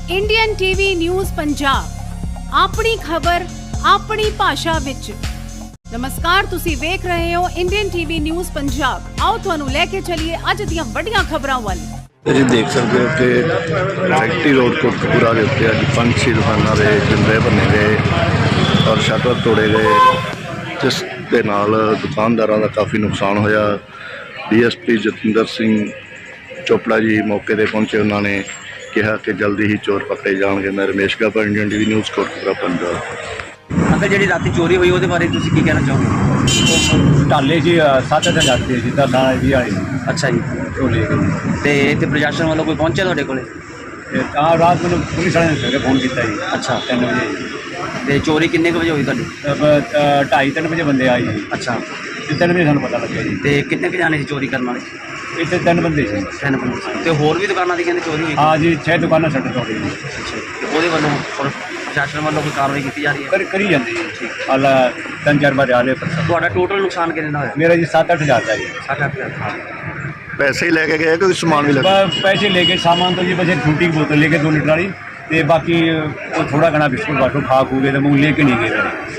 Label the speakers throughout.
Speaker 1: Indian TV news Punjab अपनी खबर अपनी भाषा विच। नमस्कार, तुसी वेख रहे हो इंडियन टीवी न्यूज़ पंजाब। आओ तुहानू लेके चलिए अज दियां वड्डियां खबरां वल।
Speaker 2: जी देख सकते हो कि फैक्ट्री रोड कोटकपूरा के उत्ते अज 5-6 दुकानों के जिंदे भन्ने गए और शटर तोड़े गए, जिस दे नाल दुकानदारों का काफ़ी नुकसान होया। DSP जतिंदर सिंह चोपड़ा जी मौके पर पहुंचे, उन्होंने कहा कि जल्दी ही चोर पकड़े जाएंगे। मैं Ramesh Gaba, Indian TV news Kotkapura Punjab.
Speaker 3: अगर जी रात चोरी हुई वो बारे तुम की कहना चाहोगे?
Speaker 4: ढाले जी 7-8 हज़ार रुपये जिदा दाल भी आई।
Speaker 3: अच्छा जी,
Speaker 4: वो ले गई
Speaker 3: तो इतने प्रशासन वालों कोई पहुंचा थोड़े को?
Speaker 4: रात मैंने पुलिस वाले ने फोन किया जी।
Speaker 3: अच्छा,
Speaker 4: 3 बजे।
Speaker 3: तो चोरी किन्ने बजे हुई थोड़ी?
Speaker 4: 2:30-3 बजे बंदे आए जी।
Speaker 3: अच्छा,
Speaker 4: 3 बजे सानू पता लगे जी।
Speaker 3: तो किन्ने जाने से चोरी करने वाले?
Speaker 4: इतने 3 बंदे सी।
Speaker 3: 3 बंदे। तो होर भी दुकानों की कहते चोरी हुई?
Speaker 4: हाँ जी, 6 दुकाना शटर तोड़ी जी।
Speaker 3: अच्छा, वो वालों प्रशासन वालों कोई कार्रवाई की जा रही है?
Speaker 4: करी जाती जी। हाल 3-4 बार आ रहे पर
Speaker 3: टोटल नुकसान कितना होया?
Speaker 4: मेरा जी 7-8 हज़ार का जी।
Speaker 3: 7-8 हज़ार।
Speaker 2: पैसे ही लेके गए, कोई सामान भी लगा?
Speaker 4: पैसे लेके सामान तो जी बस एक छोटी बोतल लेके 2 लीटर वाली, तो बाकी वो थोड़ा घना बिस्कुट बाटू खा खू गए, तो मूंग लेके नहीं गए।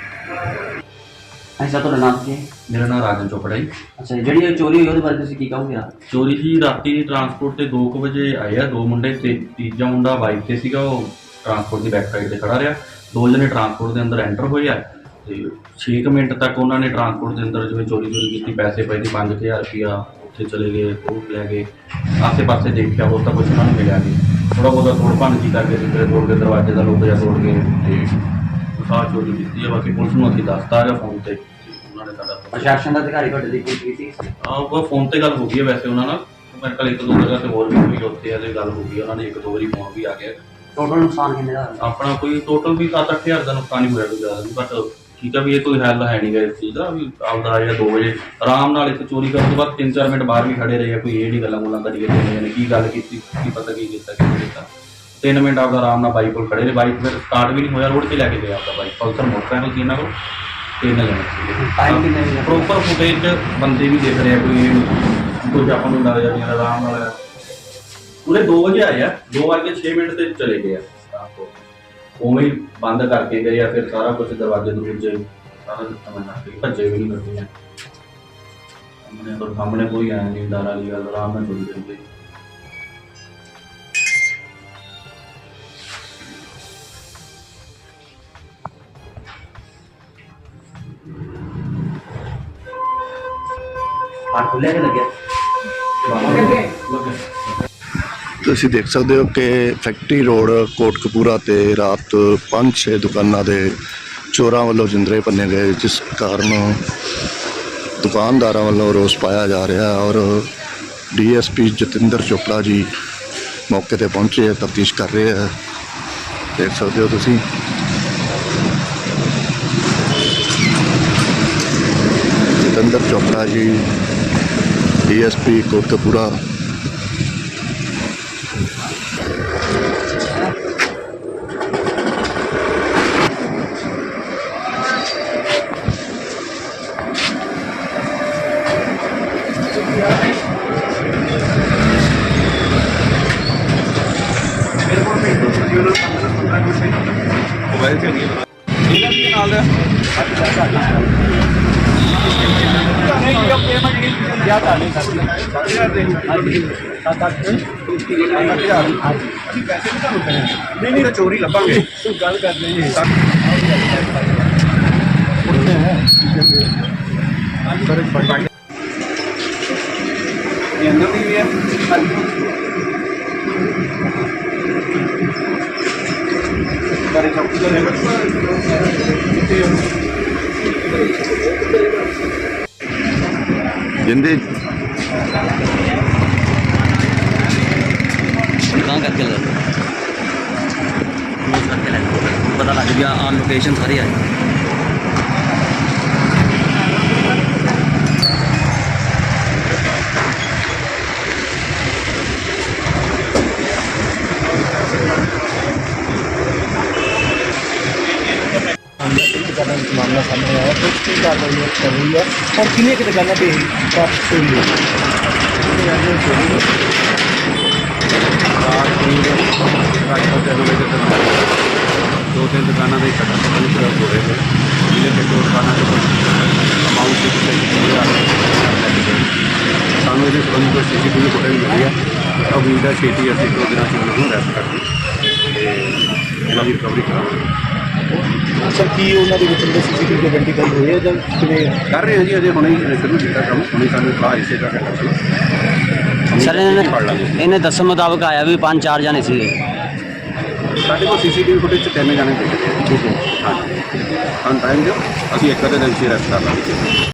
Speaker 3: अच्छा, तो नाम की?
Speaker 5: मेरा नाम राजन चोपड़ा जी।
Speaker 3: अच्छा, जी चोरी हुई वो बारे तुम की कहोगे?
Speaker 5: चोरी ही राती ट्रांसपोर्ट से 2 बजे आए आ 2 मुंडे, तीजा मुंडा बाइक से सीगा, वो ट्रांसपोर्ट की बैक साइड से खड़ा रहा। 2 जने ट्रांसपोर्ट के अंदर एंटर होए आ, 6 मिनट तक उन्होंने ट्रांसपोर्ट के अंदर जो चोरी की, पैसे पे 5000 रुपया उत्थे चले गए, फ्रूट लै गए। आसे पासे देखा हो तो कुछ उन्होंने मिला नहीं, थोड़ा बहुत तोड़ भन की करके सिगरे तोड़ के दरवाजे का लोग तोड़ के सार चोरी की है। बाकी पुलिस में अभी दसता रहा फोन से।
Speaker 3: प्रशासन का अधिकारी
Speaker 5: वो फोन से गल हो गई है, वैसे उन्होंने मेरे को 1-2 जगह से होर भी कोई उत्थे गल हो गई, उन्होंने 1-2 बारी फोन भी आ गया।
Speaker 3: टोटल नुकसान कितने का?
Speaker 5: अपना कोई टोटल भी 7-8 हज़ार का नुकसान ही होया, कोई ज़्यादा नहीं। बट ठीक है भी ये कोई हल है नहीं गया इस चीज़ का भी। आपदा आया 2 बजे आराम नाल इत्थे चोरी करने के बाद 3-4 मिनट बाहर भी खड़े रहे, कोई ये नहीं गल्लां गुल्लां करिए की गल की पता की किया। 3 मिनट आपका आराम नाल बाइक को खड़े रहे, बाइक फिर स्टार्ट भी नहीं होया, रोड से लैके गया आपका बाइक पल्सर मोटरसाइकिल थी इन्होंने को। 3 जने प्रॉपर फुटेज बंदे भी देख रहे हैं, कोई कुछ अपन लग जाए आराम नाल। पूरे 2 बजे आए हैं, 2:06 से चले गए उमें ही बंद करके गए या फिर सारा कुछ दरवाजे दरवाजे सारा सिस्टम भज्जे भी नहीं करते हैं। हमने तो सामने कोई आया नहीं, डर वाली गल आराम में चोरी करते।
Speaker 2: ਤੁਸੀਂ देख सकते हो कि फैक्ट्री रोड कोटकपूरा ते रात 5-6 दुकानों के चोरों वालों जिंदरे भन्ने गए, जिस कारण दुकानदारों वालों रोस पाया जा रहा है। और DSP जतिंदर चोपड़ा जी मौके पर पहुंचे, तफ्तीश कर रहे हैं। देख सकते हो तुसी जतिंदर चोपड़ा जी DSP कोटकपूरा।
Speaker 4: नहीं चोरी लभांगे गल करते
Speaker 2: जिंदे
Speaker 3: कहाँ करके पता लग गया, ऑन लोकेशन सारी आई।
Speaker 4: मामला सामने आया तो उसकी कार्रवाई कर रही है और किन्हीं की दुकानों पर वापस चोरी हुई रात
Speaker 6: 3 ਵਜੇ ਤੱਕ 2-3 ਦੁਕਾਨਾਂ ਦੇ ਸ਼ਟਰ ਪੂਰੀ ਤਰ੍ਹਾਂ ਤੋੜੇ ਗਏ, ਜਿਹਦੇ ਵਿੱਚ ਦੋ ਦੁਕਾਨਾਂ ਦੇ ਕੁਝ ਅਮਾਊਂਟ ਦੇ ਸਾਨੂੰ ਇਹਦੇ ਸੰਬੰਧੀ ਕੋਈ CCTV ਫੁਟੇਜ ਮਿਲੀ ਹੈ। ਉਮੀਦ ਹੈ ਛੇਤੀ ਅਸੀਂ 2 ਦਿਨਾਂ 'ਚ ਉਹਨਾਂ ਨੂੰ ਅਰੈਸਟ ਕਰਕੇ ਤੇ ਇਹਨਾਂ ਦੀ ਰਿਕਵਰੀ ਕਰਾਂਗੇ।
Speaker 7: ਸਰ ਕੀ ਉਹਨਾਂ ਦੇ ਵਿੱਚ CCTV ਆਇਡੈਂਟੀਫਾਈ ਹੋਏ ਆ ਜਾਂ ਕਿਵੇਂ
Speaker 6: ਕਰ ਰਹੇ ਹਾਂ ਜੀ, ਅਜੇ ਹੁਣੇ ਹੀ ਸ਼ੁਰੂ ਕੀਤਾ ਕੰਮ, ਹੁਣੇ ਸਾਨੂੰ ਇਤਲਾਹ ਇਸੇ ਦਾ ਕਰਨਾ
Speaker 3: ਸਰ ਇਹਨੇ ਦੱਸਣ ਮੁਤਾਬਕ ਆਇਆ ਵੀ 5-4 ਜਾਣੇ ਸੀਗੇ।
Speaker 6: ਸਾਡੇ ਕੋਲ CCTV ਫੁਟੇਜ 'ਚ 3 ਜਾਣੇ ਦਿਖ ਰਹੇ ਆ। ਠੀਕ ਹੈ, ਹਾਂ ਟਾਈਮ ਦਿਓ, ਅਸੀਂ ਇੱਕ ਅੱਧੇ ਦਿਨ 'ਚ ਅਰੈਸਟ ਕਰ ਲਾਂਗੇ।